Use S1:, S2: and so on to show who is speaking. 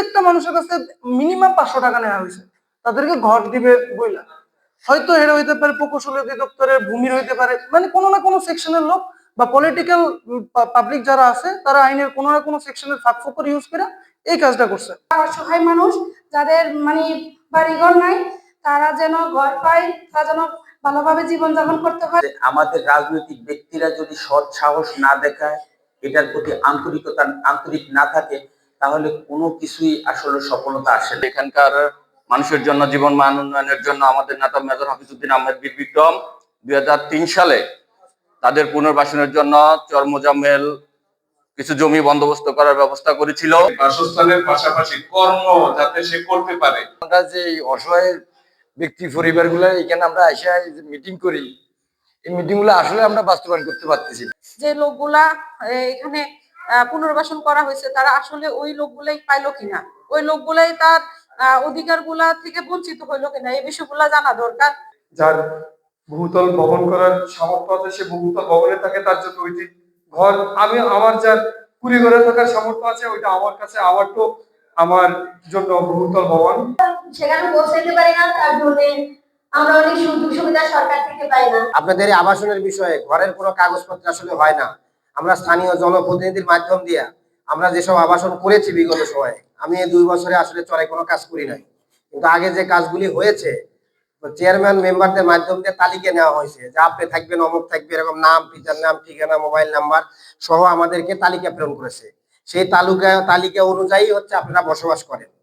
S1: প্রত্যেকটা মানুষের কাছে মিনিমাম 500 টাকা নেওয়া হয়েছে, তাদেরকে ঘর দিবে বইলা। হয়তো এরা হইতে পারে প্রকৌশল অধিদপ্তরের ভূমির হইতে পারে, মানে কোনো না কোনো সেকশনের লোক বা পলিটিক্যাল পাবলিক যারা আছে তারা আইনের কোনো না কোনো সেকশনের ফাঁকফোকর ইউজ করে এই কাজটা করছে।
S2: অসহায় মানুষ যাদের মানে বাড়িঘর নাই, তারা যেন ঘর পায়, তারা যেন ভালোভাবে জীবনযাপন করতে পারে।
S3: আমাদের রাজনৈতিক ব্যক্তিরা যদি সৎ সাহস না দেখায়, এটার প্রতি আন্তরিক না থাকে, তাহলে কোনো কিছুই আসলে সফলতা আসে না।
S4: এখানকার মানুষের জন্য জীবন মান উন্নয়নের জন্য আমাদের নেতা মেজর হাফিজউদ্দিন আহমেদ বীর বিক্রম 2003 সালে তাদের পুনর্বাসনের জন্য চর মোজাম্মেল কিছু জমি বন্দোবস্ত করার ব্যবস্থা করেছিল।
S5: বাসস্থানের পাশাপাশি কর্ম যাতে সে করতে পারে।
S6: আমরা যে অসহায় ব্যক্তি পরিবারগুলো এখানে আমরা এসে মিটিং করি, এই মিটিং গুলো আসলে আমরা বাস্তবায়ন করতে পারতেছি না।
S2: যে লোকগুলা এখানে পুনর্বাসন করা হয়েছে তারা আসলে ওই লোকগুলাই পাইলো কিনা, ওই লোকগুলাই তার অধিকারগুলা থেকে বঞ্চিত হইলো কিনা, এই বিষয়গুলা জানা দরকার।
S7: যার বহুতল ভবন করার সামর্থ্য আছে সে বহুতল ভবনে থাকে, তার জন্য ওইটি ঘর। আমি আমার যার কুড়ি ঘরে থাকার সামর্থ্য আছে ওইটা আমার কাছে আমার তো আমার জন্য বহুতল ভবন।
S8: সেখানে পৌঁছাইতে পারি না, তার জন্য আমরা অনেক সুযোগ সুবিধা সরকার থেকে পাই না।
S9: আপনাদের এই আবাসনের বিষয়ে ঘরের কোনো কাগজপত্র আসলে হয় না। আমরা স্থানীয় জনপ্রতিনিধির মাধ্যম দিয়ে আমরা যেসব আবাসন করেছি বিগত সময়ে, আমি এই 2 বছরে আসলে চড়াই কোনো কাজ করি নাই, কিন্তু আগে যে কাজগুলি হয়েছে চেয়ারম্যান মেম্বারদের মাধ্যম দিয়ে তালিকা নেওয়া হয়েছে যে আপনি থাকবেন, অমুক থাকবে, এরকম নাম, পিতার নাম, ঠিকানা, মোবাইল নাম্বার সহ আমাদেরকে তালিকা প্রেরণ করেছে। সেই তালিকা অনুযায়ী হচ্ছে আপনারা বসবাস করেন।